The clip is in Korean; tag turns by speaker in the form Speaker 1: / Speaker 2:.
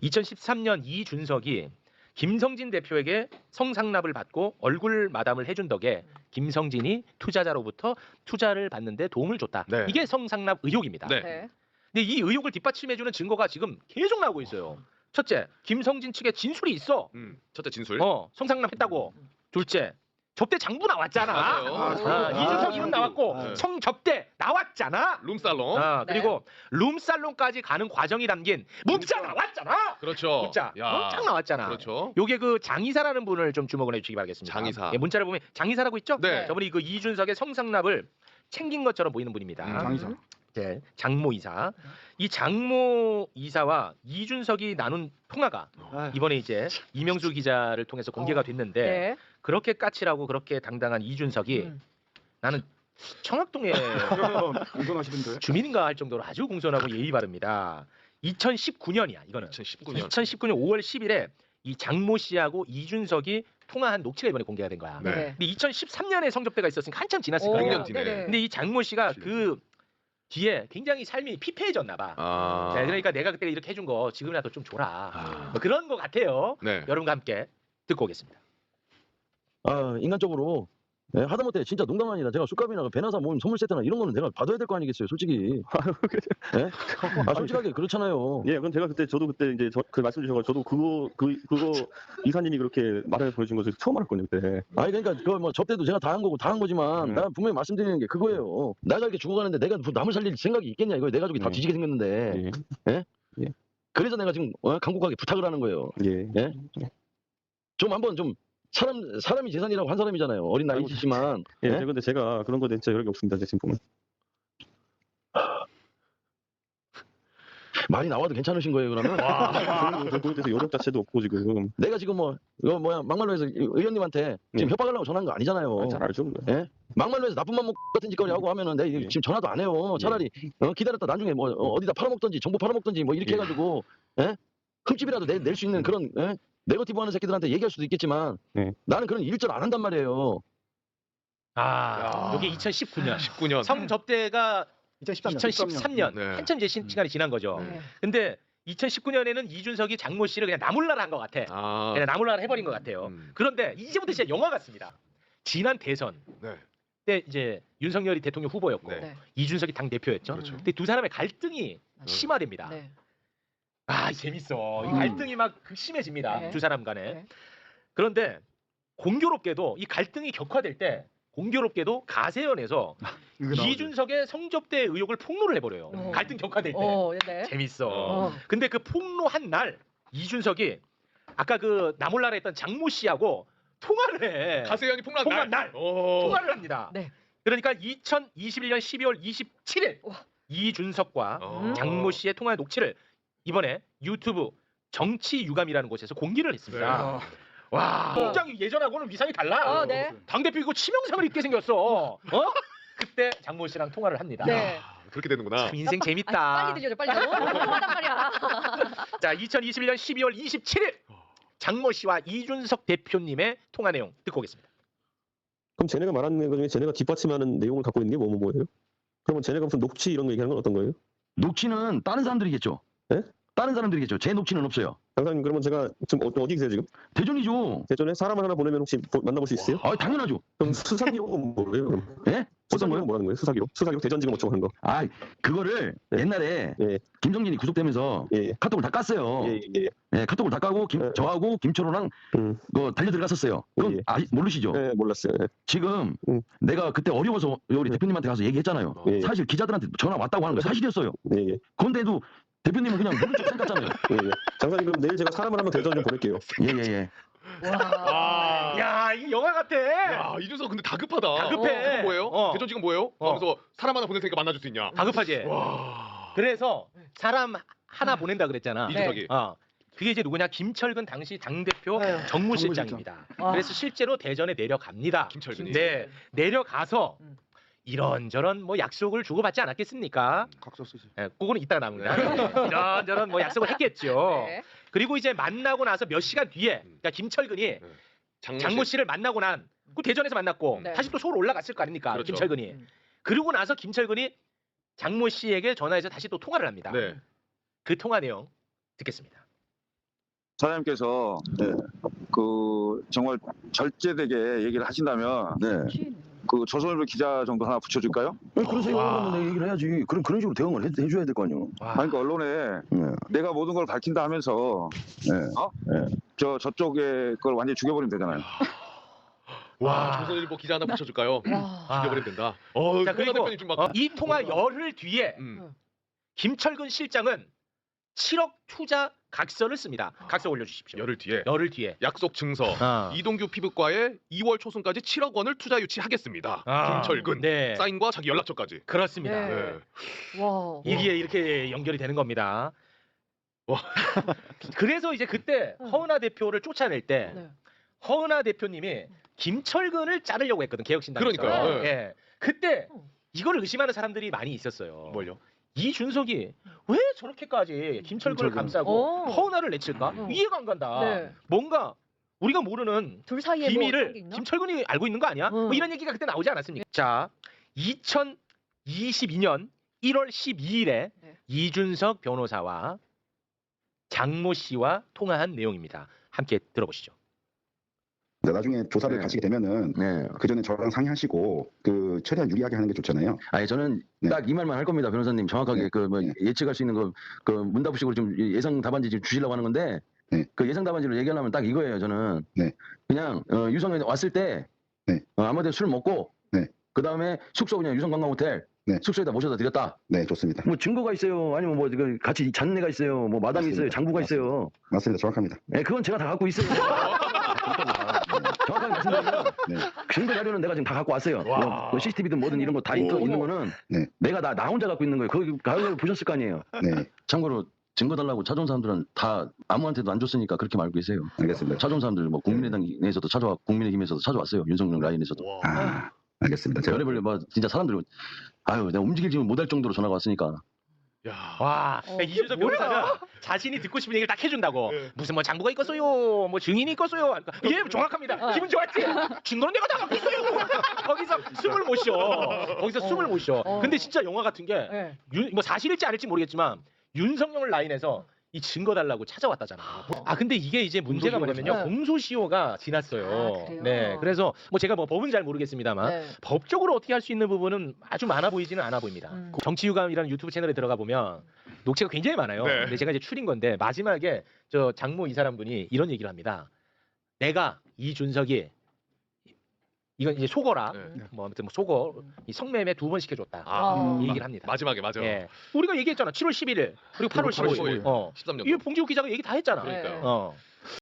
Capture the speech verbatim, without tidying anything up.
Speaker 1: 이천십삼 년 이준석이 김성진 대표에게 성상납을 받고 얼굴 마담을 해준 덕에 김성진이 투자자로부터 투자를 받는데 도움을 줬다.
Speaker 2: 네.
Speaker 1: 이게 성상납 의혹입니다.
Speaker 2: 네.
Speaker 3: 네.
Speaker 1: 근데 이 의혹을 뒷받침해주는 증거가 지금 계속 나오고 있어요. 첫째, 김성진 측에 진술이 있어.
Speaker 2: 음, 첫째 진술.
Speaker 1: 어, 성상납 했다고. 둘째, 접대 장부 나왔잖아.
Speaker 2: 맞아요.
Speaker 1: 아, 이준석 이름 나왔고
Speaker 2: 네.
Speaker 1: 성접대 나왔잖아.
Speaker 2: 룸살롱.
Speaker 1: 아,
Speaker 3: 네.
Speaker 1: 그리고 룸살롱까지 가는 과정이 담긴 문자 나왔잖아.
Speaker 2: 그렇죠.
Speaker 1: 문자
Speaker 2: 야.
Speaker 1: 엄청 나왔잖아.
Speaker 2: 그렇죠.
Speaker 1: 요게 그 장이사라는 분을 좀 주목을 해주시기 바라겠습니다.
Speaker 2: 장이사.
Speaker 1: 예, 문자를 보면 장이사라고 있죠?
Speaker 2: 네.
Speaker 1: 저분이 그 이준석의 성상납을 챙긴 것처럼 보이는 분입니다.
Speaker 2: 음,
Speaker 4: 장이사.
Speaker 1: 네, 장모 이사. 이 장모 이사와 이준석이 나눈 통화가 이번에 이제 이명수 기자를 통해서 공개가 됐는데
Speaker 3: 네.
Speaker 1: 그렇게 까칠하고 그렇게 당당한 이준석이
Speaker 3: 음.
Speaker 1: 나는 청학동에
Speaker 4: 공손하시던데.
Speaker 1: 주민인가 할 정도로 아주 공손하고 예의 바릅니다. 이천십구 년이야 이거는.
Speaker 2: 이천십구 년.
Speaker 1: 이천십구 년 오월 십일에 이 장모 씨하고 이준석이 통화한 녹취가 이번에 공개가 된 거야.
Speaker 2: 네.
Speaker 3: 네.
Speaker 1: 근데 이천십삼 년에 성접대가 있었으니까 한참 지났을
Speaker 3: 오,
Speaker 1: 거야.
Speaker 2: 백 년 뒤네.
Speaker 3: 네네.
Speaker 1: 근데 이 장모 씨가 그 뒤에 굉장히 삶이 피폐해졌나 봐.
Speaker 2: 아.
Speaker 1: 네, 그러니까 내가 그때 이렇게 해준 거 지금이라도 좀 줘라.
Speaker 2: 아.
Speaker 1: 뭐 그런 거 같아요.
Speaker 2: 네.
Speaker 1: 여러분과 함께 듣고 오겠습니다.
Speaker 5: 아 인간적으로 예, 하다못해 진짜 농담 아니라 제가 술값이나 그 배나사 모임 선물 세트나 이런 거는 내가 받아야 될 거 아니겠어요 솔직히. 예? 아 솔직하게 그렇잖아요.
Speaker 6: 예, 그건 제가 그때 저도 그때 이제 저, 그 말씀 주셔서 저도 그거 그 그거 이사님이 그렇게 말을 보여준 것을 처음 알았거든요 그때.
Speaker 5: 아니 그러니까 그 뭐 접대도 제가 다 한 거고 다 한 거지만
Speaker 6: 네.
Speaker 5: 내가 분명히 말씀드리는 게 그거예요. 내가 이렇게 죽어가는데 내가 뭐 남을 살릴 생각이 있겠냐 이거 내 가족이 다
Speaker 6: 네.
Speaker 5: 뒤지게 생겼는데.
Speaker 6: 예.
Speaker 5: 그래서 내가 지금 어, 강국하게 부탁을 하는 거예요.
Speaker 6: 예.
Speaker 5: 예? 좀 한번 좀 사람 사람이 재산이라고 한 사람이잖아요. 어린
Speaker 6: 아이고,
Speaker 5: 나이시지만.
Speaker 6: 예,
Speaker 5: 예?
Speaker 6: 근데 제가 그런 거에 진짜 여력이 없습니다. 지금 보면.
Speaker 5: 말이 나와도 괜찮으신 거예요 그러면?
Speaker 6: 저는 저 그거에 대해서 여력 자체도 없고 지금.
Speaker 5: 내가 지금 뭐 이거 뭐야 막말로 해서 의원님한테 지금
Speaker 6: 네.
Speaker 5: 협박하려고 전화한 거 아니잖아요.
Speaker 6: 아, 잘 알죠.
Speaker 5: 예? 막말로 해서 나쁜 맘 먹고 같은 짓거리 하고 하면은 내가
Speaker 6: 예.
Speaker 5: 지금 전화도 안 해요. 차라리 어, 기다렸다 나중에 뭐 어, 어디다 팔아먹던지 정보 팔아먹던지 뭐 이렇게
Speaker 6: 예.
Speaker 5: 해가지고 예? 흠집이라도 내, 낼 수 있는 그런 예? 네거티브 하는 새끼들한테 얘기할 수도 있겠지만
Speaker 6: 예.
Speaker 5: 나는 그런 일절 안 한단 말이에요.
Speaker 1: 아,
Speaker 2: 야.
Speaker 1: 이게 이천십구 년.
Speaker 2: 십구 년.
Speaker 1: 성접대가
Speaker 4: 이천십삼 년.
Speaker 1: 이천십삼 년.
Speaker 2: 네.
Speaker 1: 한참 이제 시, 시간이 지난 거죠.
Speaker 3: 네.
Speaker 1: 근데 이천십구 년에는 이준석이 장모 씨를 그냥 나몰라라 한 것 같아.
Speaker 2: 아.
Speaker 1: 그냥 나몰라라 해버린 것 같아요.
Speaker 2: 음.
Speaker 1: 그런데 이제부터 진짜 영화 같습니다. 지난 대선
Speaker 2: 네.
Speaker 1: 때 이제 윤석열이 대통령 후보였고
Speaker 2: 네.
Speaker 3: 네.
Speaker 1: 이준석이 당 대표였죠.
Speaker 2: 그렇죠.
Speaker 1: 근데 두 사람의 갈등이 심화됩니다.
Speaker 3: 네.
Speaker 1: 아 재밌어. 이
Speaker 4: 음.
Speaker 1: 갈등이 막 극심해집니다.
Speaker 3: 네.
Speaker 1: 두 사람 간에.
Speaker 3: 네.
Speaker 1: 그런데 공교롭게도 이 갈등이 격화될 때 공교롭게도 가세연에서
Speaker 4: 이거 나오죠.
Speaker 1: 이준석의 성접대 의혹을 폭로를 해버려요.
Speaker 3: 어.
Speaker 1: 갈등 격화될 때.
Speaker 3: 어, 네.
Speaker 1: 재밌어.
Speaker 3: 어.
Speaker 1: 근데 그 폭로한 날 이준석이 아까 그 나몰라라 했던 장모 씨하고 통화를 해.
Speaker 2: 가세현이 폭로한
Speaker 1: 폭로한
Speaker 2: 날.
Speaker 1: 날.
Speaker 2: 오.
Speaker 1: 통화를 합니다.
Speaker 3: 네.
Speaker 1: 그러니까 이천이십일 년 십이월 이십칠일
Speaker 3: 와.
Speaker 1: 이준석과
Speaker 2: 어.
Speaker 1: 장모 씨의 통화 녹취를 이번에 유튜브 정치 유감이라는 곳에서 공개를 했습니다.
Speaker 2: 네.
Speaker 1: 와, 굉장히 예전하고는 위상이 달라.
Speaker 3: 어, 네.
Speaker 1: 당대표 이거 치명상을 입게 생겼어. 어? 그때 장모 씨랑 통화를 합니다.
Speaker 3: 네.
Speaker 2: 아, 그렇게 되는구나.
Speaker 1: 참 인생
Speaker 3: 아,
Speaker 1: 재밌다.
Speaker 3: 빨리 들려줘, 빨리. 너무 궁금하단 말이야.
Speaker 1: 자, 이천이십일 년 십이월 이십칠일 장모 씨와 이준석 대표님의 통화 내용 듣고 오겠습니다.
Speaker 6: 그럼 쟤네가 말하는 것 중에 쟤네가 뒷받침하는 내용을 갖고 있는 게 뭐 뭐 뭐예요? 그러면 쟤네가 무슨 녹취 이런 거 얘기하는 건 어떤 거예요?
Speaker 5: 녹취는 다른 사람들이겠죠.
Speaker 6: 예?
Speaker 5: 다른 사람들이겠죠. 제 녹취는 없어요.
Speaker 6: 장사님 그러면 제가 지금 어, 어디 계세요 지금?
Speaker 5: 대전이죠.
Speaker 6: 대전에 사람을 하나 보내면 혹시 보- 만나볼 수 있어요?
Speaker 5: 아 당연하죠.
Speaker 6: 그럼 수사 기록은 뭐예요? 그럼?
Speaker 5: 예? 어떤 거요?
Speaker 6: 수사 기록 뭐라는 거예요? 수사 기록? 수사 기록 대전지검 어쩌고 하는 거?
Speaker 5: 아 그거를
Speaker 6: 네.
Speaker 5: 옛날에
Speaker 6: 예.
Speaker 5: 김정진이 구속되면서
Speaker 6: 예, 예.
Speaker 5: 카톡을 다 깠어요.
Speaker 6: 예, 예, 예.
Speaker 5: 예, 카톡을 다 까고 김,
Speaker 6: 네.
Speaker 5: 저하고 김철호랑
Speaker 6: 음.
Speaker 5: 그 달려 들어갔었어요. 그럼
Speaker 6: 예, 예.
Speaker 5: 아, 모르시죠?
Speaker 6: 예, 몰랐어요. 예.
Speaker 5: 지금
Speaker 6: 음.
Speaker 5: 내가 그때 어려워서 우리 대표님한테 가서 얘기했잖아요.
Speaker 6: 예, 예.
Speaker 5: 사실 기자들한테 전화 왔다고 하는 거 사실이었어요.
Speaker 6: 예, 예.
Speaker 5: 그런데도 대표님은 그냥 모른 척 생각잖아요.
Speaker 6: 예, 예. 장사님 그럼 내일 제가 사람을 하면 대전 좀 보낼게요.
Speaker 5: 예예예. 예, 예.
Speaker 3: 와.
Speaker 1: 야, 이게 영화 같아.
Speaker 2: 야, 이준석 근데 다급하다.
Speaker 1: 다급해.
Speaker 2: 지금 뭐예요?
Speaker 1: 어.
Speaker 2: 대전 지금 뭐예요?
Speaker 1: 어.
Speaker 2: 그래서 사람 하나 보낼 테니까 만나줄 수 있냐?
Speaker 1: 다급하지.
Speaker 2: 와.
Speaker 1: 그래서 사람 하나 보낸다 그랬잖아.
Speaker 2: 이준석이.
Speaker 1: 어. 그게 이제 누구냐? 김철근 당시 당대표
Speaker 3: 아유,
Speaker 1: 정무실장입니다.
Speaker 3: 와.
Speaker 1: 그래서 실제로 대전에 내려갑니다.
Speaker 2: 김철근이.
Speaker 1: 네, 내려가서
Speaker 3: 음.
Speaker 1: 이런저런 뭐 약속을 주고받지 않았겠습니까?
Speaker 4: 각서 쓰지.
Speaker 1: 예, 그거는 이따가 나옵니다. 이런저런 뭐 약속을 했겠죠.
Speaker 3: 네.
Speaker 1: 그리고 이제 만나고 나서 몇 시간 뒤에, 그러니까 김철근이
Speaker 2: 장모,
Speaker 1: 장모
Speaker 2: 씨.
Speaker 1: 씨를 만나고 난, 그 대전에서 만났고
Speaker 3: 네.
Speaker 1: 다시 또 서울 올라갔을 거 아닙니까?
Speaker 2: 그렇죠.
Speaker 1: 김철근이.
Speaker 3: 음.
Speaker 1: 그러고 나서 김철근이 장모 씨에게 전화해서 다시 또 통화를 합니다.
Speaker 2: 네.
Speaker 1: 그 통화 내용 듣겠습니다.
Speaker 7: 사장님께서
Speaker 5: 네.
Speaker 7: 그 정말 절제되게 얘기를 하신다면
Speaker 5: 네.
Speaker 7: 그 조선일보 기자 정도 하나 붙여줄까요?
Speaker 5: 아니, 그러세요.
Speaker 1: 와.
Speaker 5: 그러면 내가 얘기를 해야지. 그런 그런 식으로 대응을 해, 해줘야 될 거 아니에요.
Speaker 1: 와.
Speaker 7: 아니, 그러니까 언론에
Speaker 5: 네.
Speaker 7: 내가 모든 걸 밝힌다 하면서
Speaker 5: 네.
Speaker 7: 어?
Speaker 5: 네.
Speaker 7: 저 저쪽에 그걸 완전히 죽여버리면 되잖아요.
Speaker 2: 와,
Speaker 1: 와.
Speaker 2: 조선일보 기자 하나 붙여줄까요?
Speaker 3: 와.
Speaker 1: 아.
Speaker 2: 죽여버리면 된다. 어,
Speaker 1: 자,
Speaker 2: 그리고
Speaker 1: 그리고
Speaker 2: 대표님 좀 막.
Speaker 1: 어, 이 통화 열흘 뒤에
Speaker 2: 음.
Speaker 1: 김철근 실장은 칠억 투자 각서를 씁니다. 각서 올려주십시오.
Speaker 2: 열흘 뒤에
Speaker 1: 열흘 뒤에.
Speaker 2: 약속 증서.
Speaker 1: 아.
Speaker 2: 이동규 피부과에 이월 초순까지 칠억 원을 투자 유치하겠습니다.
Speaker 1: 아.
Speaker 2: 김철근.
Speaker 1: 네.
Speaker 2: 사인과 자기 연락처까지.
Speaker 1: 그렇습니다.
Speaker 3: 네.
Speaker 2: 네.
Speaker 3: 와.
Speaker 1: 이게 이렇게 연결이 되는 겁니다.
Speaker 2: 와.
Speaker 1: 그래서 이제 그때
Speaker 3: 응.
Speaker 1: 허은하 대표를 쫓아낼 때
Speaker 3: 네.
Speaker 1: 허은하 대표님이 김철근을 자르려고 했거든, 개혁신당에서.
Speaker 2: 그러니까요.
Speaker 3: 네.
Speaker 1: 예. 그때
Speaker 3: 응.
Speaker 1: 이걸 의심하는 사람들이 많이 있었어요.
Speaker 2: 뭘요?
Speaker 1: 이준석이 왜 저렇게까지 김철근을
Speaker 5: 김철근.
Speaker 1: 감싸고
Speaker 3: 오.
Speaker 1: 허은하를 내칠까?
Speaker 3: 응.
Speaker 1: 이해가 안 간다.
Speaker 3: 네.
Speaker 1: 뭔가 우리가 모르는
Speaker 3: 둘 사이에 뭐 어떤 게
Speaker 1: 비밀을
Speaker 3: 있나?
Speaker 1: 김철근이 알고 있는 거 아니야?
Speaker 3: 응.
Speaker 1: 뭐 이런 얘기가 그때 나오지 않았습니까? 자, 이천이십이 년 일월 십이일에
Speaker 3: 네.
Speaker 1: 이준석 변호사와 장모 씨와 통화한 내용입니다. 함께 들어보시죠.
Speaker 4: 네, 나중에 조사를
Speaker 5: 네.
Speaker 4: 가시게 되면은
Speaker 5: 네.
Speaker 4: 그 전에 저랑 상의하시고 그 최대한 유리하게 하는 게 좋잖아요.
Speaker 5: 아니 저는
Speaker 4: 네.
Speaker 5: 딱 이 말만 할 겁니다, 변호사님. 정확하게
Speaker 4: 네.
Speaker 5: 그 뭐
Speaker 4: 네.
Speaker 5: 예측할 수 있는 거 그 문답식으로 좀 예상 답안지 지금 주시려고 하는 건데
Speaker 4: 네.
Speaker 5: 그 예상 답안지로 얘기하려면 딱 이거예요. 저는
Speaker 4: 네.
Speaker 5: 그냥 어, 유성이 왔을 때
Speaker 4: 네.
Speaker 5: 어, 아무데나 술 먹고
Speaker 4: 네.
Speaker 5: 그 다음에 숙소 그냥 유성 관광 호텔
Speaker 4: 네.
Speaker 5: 숙소에다 모셔다 드렸다.
Speaker 4: 네, 좋습니다.
Speaker 5: 뭐 증거가 있어요. 아니면 뭐 그 같이 잔내가 있어요. 뭐 마담이
Speaker 4: 맞습니다.
Speaker 5: 있어요. 장부가 있어요.
Speaker 4: 맞습니다. 정확합니다.
Speaker 5: 네, 그건 제가 다 갖고 있어요. 정확하게 말씀드리면
Speaker 4: 네.
Speaker 5: 증거 자료는 내가 지금 다 갖고 왔어요.
Speaker 1: 와.
Speaker 5: 뭐, 뭐 씨씨티비든 뭐든 이런 거 다 있는 거는
Speaker 4: 네.
Speaker 5: 내가 나, 나 혼자 갖고 있는 거예요. 거기 가을 보셨을 거 아니에요.
Speaker 4: 네,
Speaker 5: 참고로 증거 달라고 찾아온 사람들은 다 아무한테도 안 줬으니까 그렇게 알고 계세요.
Speaker 4: 알겠습니다.
Speaker 5: 찾아온 사람들 뭐 국민의당 내에서도 찾아와 국민의힘에서도 찾아왔어요. 윤석열 라인에서도.
Speaker 2: 와.
Speaker 4: 아, 알겠습니다. 제가
Speaker 5: 별의별 뭐 진짜 사람들 아유 내가 움직이지 못할 정도로 전화가 왔으니까.
Speaker 2: 야.
Speaker 1: 와,
Speaker 3: 어,
Speaker 1: 그러니까 이준석
Speaker 3: 뭐야?
Speaker 1: 변호사는 자신이 듣고 싶은 얘기를 딱 해준다고.
Speaker 2: 네.
Speaker 1: 무슨 뭐 장부가 있겠어요, 뭐 증인이 있겠어요. 그러니까 예, 정확합니다.
Speaker 3: 어.
Speaker 1: 기분 좋았지? 증거는 내가 다 갖고 있어요. 거기서 숨을 못 쉬어. 거기서
Speaker 3: 어.
Speaker 1: 숨을 못 쉬어.
Speaker 3: 어.
Speaker 1: 근데 진짜 영화 같은 게
Speaker 3: 네.
Speaker 1: 윤, 뭐 사실일지 아닐지 모르겠지만 윤석열 라인에서 이 증거 달라고 찾아왔다잖아. 아 근데 이게 이제 문제가 뭐냐면요.
Speaker 3: 네.
Speaker 1: 공소시효가 지났어요.
Speaker 3: 아, 그래요?
Speaker 1: 네, 그래서 뭐 제가 뭐 법은 잘 모르겠습니다만
Speaker 3: 네.
Speaker 1: 법적으로 어떻게 할 수 있는 부분은 아주 많아 보이지는 않아 보입니다.
Speaker 3: 음.
Speaker 1: 정치유감이라는 유튜브 채널에 들어가 보면 녹취가 굉장히 많아요.
Speaker 2: 네.
Speaker 1: 근데 제가 이제 추린 건데 마지막에 저 장모 이 사람 분이 이런 얘기를 합니다. 내가 이준석이 이건 이제 속어라.
Speaker 2: 네.
Speaker 1: 뭐 아무튼 뭐 속어 이 성매매 두 번 시켜줬다.
Speaker 2: 아,
Speaker 1: 이 얘기를 합니다.
Speaker 2: 마지막에 맞아요.
Speaker 1: 예. 우리가 얘기했잖아. 칠월 십일일 그리고 팔월
Speaker 2: 팔월
Speaker 1: 십오일.
Speaker 2: 십오일.
Speaker 1: 어.
Speaker 2: 십삼 년.
Speaker 1: 이거 봉지욱 기자가 얘기 다 했잖아.
Speaker 2: 그러니까요.
Speaker 1: 어.